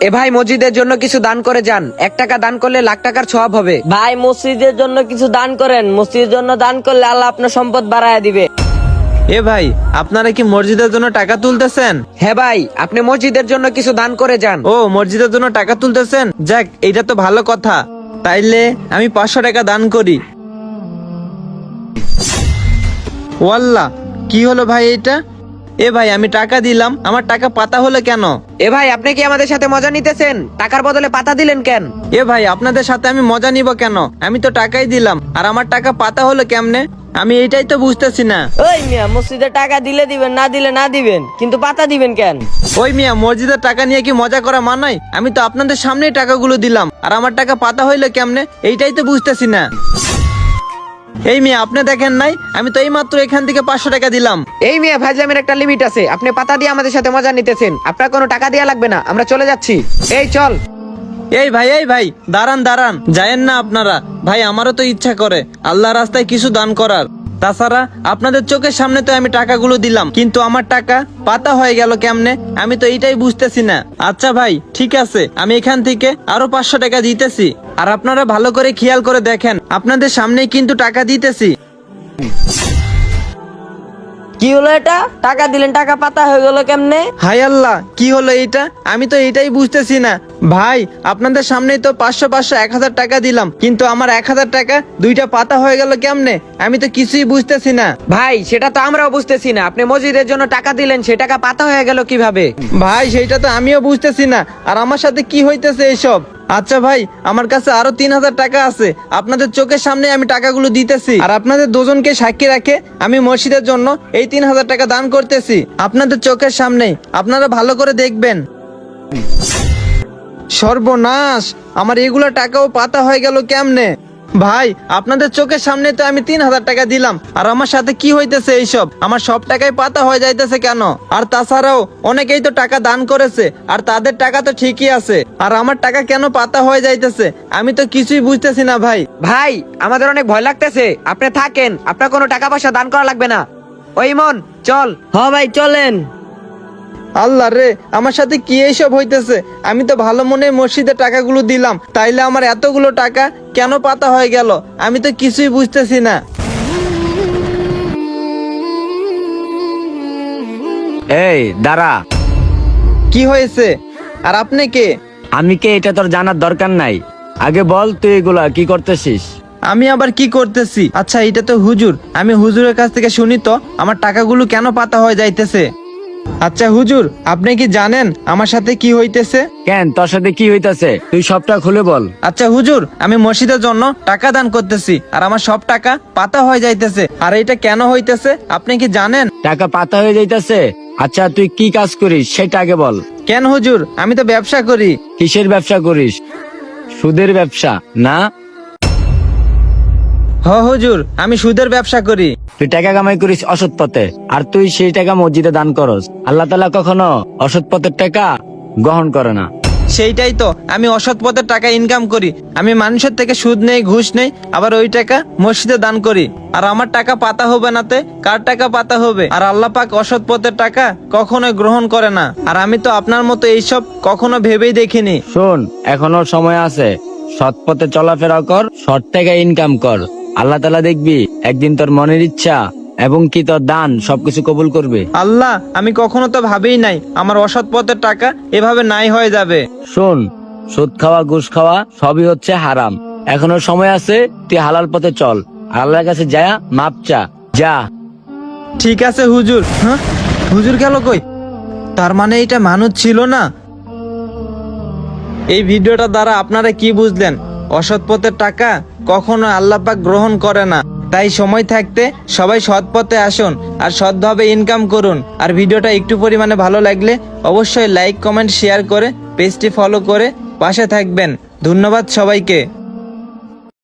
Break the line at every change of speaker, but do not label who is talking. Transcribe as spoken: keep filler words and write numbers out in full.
এ ভাই মসজিদের জন্য কিছু দান করে যান, এক টাকা দান করলে লাখ টাকার সওয়াব হবে।
ভাই মসজিদের জন্য কিছু দান করেন, মসজিদের জন্য দান করলে আল্লাহ আপনার সম্পদ বাড়ায় দিবে।
এ ভাই, আপনারা কি মসজিদের জন্য টাকা তুলতেছেন?
হ্যাঁ ভাই, আপনি মসজিদের জন্য কিছু দান করে যান।
ও, মসজিদের জন্য টাকা তুলতেছেন? যাক, এটা তো ভালো কথা। তাইলে আমি পাঁচশো টাকা দান করি। ওয়াল্লাহ, কি হলো ভাই এটা? এ ভাই, আমি টাকা দিলাম, আমার টাকা পাতা হলো কেন?
এ ভাই, আপনি কি আমাদের সাথে মজা নিতেছেন? টাকার বদলে পাতা দিলেন কেন?
এ ভাই, আপনাদের সাথে আমি মজা নিব কেন? আমি তো টাকাই দিলাম, আর আমার টাকা পাতা হলো কেমনে? আমি এইটাই তো বুঝতেছি না।
ওই মিয়া, মসজিদে টাকা দিলে দিবেন, না দিলে না দিবেন, কিন্তু পাতা দিবেন কেন?
ওই মিয়া, মসজিদের টাকা নিয়ে কি মজা করা মানায়? আমি তো আপনাদের সামনেই টাকাগুলো দিলাম, আর আমার টাকা পাতা হইলো কেমনে? এইটাই তো বুঝতেছি না। এই মিয়া, আপনি দেখেন নাই? আমি তো এই মাত্র এখান থেকে পাঁচশো টাকা দিলাম।
এই মিয়া, ফাজলামের একটা লিমিট আছে। আপনি পাতা দিয়ে আমাদের সাথে মজা নিতেছেন, আপনার কোনো টাকা দেওয়া লাগবে না, আমরা চলে যাচ্ছি। এই চল।
এই ভাই, এই ভাই, দাঁড়ান দাঁড়ান, যায়েন না আপনারা। ভাই, আমারও তো ইচ্ছা করে আল্লাহ রাস্তায় কিছু দান করার। তাছাড়া আপনাদের চোখের সামনে তো আমি টাকাগুলো দিলাম, কিন্তু আমার টাকা পাতা হয়ে গেল কেমনে? আমি তো এইটাই বুঝতেছি না। আচ্ছা ভাই, ঠিক আছে, আমি এখান থেকে আরো পাঁচশো টাকা দিতেছি। আর আপনারা ভালো করে খেয়াল করে দেখেন, আপনাদের সামনেই কিন্তু টাকা দিতেছি।
কি হলো এটা? টাকা দিলেন, টাকা পাতা হয়ে গেল কেমনে?
হায় আল্লাহ, কি হলো এইটা? আমি তো এইটাই বুঝতেছি না। ভাই, আপনাদের সামনেই তো পাঁচশো পাঁচশো এক হাজার টাকা দিলাম, কিন্তু আমার এক হাজার টাকা দুইটা পাতা হয়ে গেল কেমনে? আমি তো কিছুই বুঝতেছি না।
ভাই, সেটা তো আমরাও বুঝতেছি না। আপনি মসজিদের জন্য টাকা দিলেন, সে টাকা পাতা হয়ে গেল কিভাবে?
ভাই, সেইটা তো আমিও বুঝতেছি না। আর আমার সাথে কি হইতেছে এইসব? আচ্ছা ভাই, আমার কাছে আরো তিন হাজার টাকা আছে, আপনাদের চোখের সামনে আমি টাকাগুলো দিতেছি। আর আপনাদের দুজনকে সাক্ষী রাখে আমি মসজিদের জন্য এই তিন হাজার টাকা দান করতেছি, আপনাদের চোখের সামনে। আপনারা ভালো করে দেখবেন। সর্বনাশ, আমার এগুলো টাকাও পাতা হয়ে গেল কেমনে? ভাই, আপনাদের চোখের সামনে তো আমি তিন হাজার টাকা দিলাম, আর আমার সাথে কি হইতেছে এইসব? আমার সব টাকাই পাতা হয়ে যাইতেছে কেন? আর তাছাড়াও অনেকেই তো টাকা দান করেছে, আর তাদের টাকা তো ঠিকই আছে, আর আমার টাকা কেন পাতা হয়ে যাইতেছে? আমি তো কিছুই বুঝতেছি না ভাই।
ভাই, আমাদের অনেক ভয় লাগতেছে, আপনি থাকেন, আপনার কোনো টাকা পয়সা দান করা লাগবে না। ওই মন, চল।
হ ভাই, চলেন।
আল্লাহ রে, আমার সাথে কি এইসব হইতেছে? আমি তো ভালো মনে মসজিদে টাকাগুলো দিলাম, তাইলে আমার এতগুলো টাকা কেন পাতা হয়ে গেল? আমি তো কিছুই বুঝতেছি না।
এই দাঁড়া,
কি হয়েছে? আর আপনি কে?
আমি কে এটা তোর জানার দরকার নাই। আগে বল, তুই এগুলা কি করতেছিস?
আমি আবার কি করতেছি? আচ্ছা, এটা তো হুজুর। আমি হুজুরের কাছ থেকে শুনি তো আমার টাকাগুলো কেন পাতা হয়ে যাইতেছে। আচ্ছা হুজুর, আপনি কি জানেন আমার সাথে কি হইতেছে?
কেন, তোর সাথে কি হইতাছে? তুই সবটা খুলে বল।
আচ্ছা হুজুর, আমি মসজিদের জন্য টাকা দান করতেছি, আর আমার সব টাকা পাতা হয়ে যাইতেছে। আর এটা কেন হইতেছে আপনি কি জানেন?
টাকা পাতা হয়ে যাইতাছে? আচ্ছা, তুই কি কাজ করিস সেটা আগে বল।
কেন হুজুর, আমি তো ব্যবসা করি।
কিসের ব্যবসা করিস? সুদের ব্যবসা না?
হ হুজুর, আমি সুদের ব্যবসা করি।
তুই টাকা কামাই করিস অসৎ পথে, আর তুই সেই টাকা মসজিদে দান করস। আল্লাহ তাআলা কখনো অসৎ পথের টাকা গ্রহণ করে না।
সেইটাই তো, আমি অসৎ পথে টাকা ইনকাম করি। আমি মানুষের থেকে সুদ নেই, ঘুষ নেই, আবার ওই টাকা মসজিদে দান করি। আর আমার টাকা পাতা হবে নাতে কার টাকা পাতা হবে? আর আল্লাহ পাক অসৎ পথের টাকা কখনোই গ্রহণ করে না। আর আমি তো আপনার মতো এইসব কখনো ভেবেই দেখিনি।
শোন, এখনো সময় আছে, সৎ পথে চলাফেরা কর, সৎ টাকা ইনকাম কর। আল্লাহ তাআলা দেখবি একদিন তোর মনের ইচ্ছা এবং কি তোর দান সবকিছু কবুল করবে।
আল্লাহ, আমি কখনো তো ভাবেই নাই আমার অসৎ পথের টাকা এভাবে নাই হয়ে যাবে।
শোন, সুদ খাওয়া, ঘুষ খাওয়া সবই হচ্ছে হারাম। এখনো সময় আছে, তুই হালাল পথে চল, আল্লাহর কাছে যা, মাপ চা, যা।
ঠিক আছে হুজুর। হ্যাঁ, হুজুর গেল কই? তার মানে এটা মানুষ ছিল না। এই ভিডিওটা দ্বারা আপনারা কি বুঝলেন? অসৎ পথের টাকা কখনো আল্লাহ পাক গ্রহণ করে না। তাই সময় থাকতে সবাই সৎ পথে আসুন আর সৎভাবে ইনকাম করুন। আর ভিডিওটা একটু পরিমাণে ভালো লাগলে অবশ্যই লাইক, কমেন্ট, শেয়ার করে পেজটি ফলো করে পাশে থাকবেন। ধন্যবাদ সবাইকে।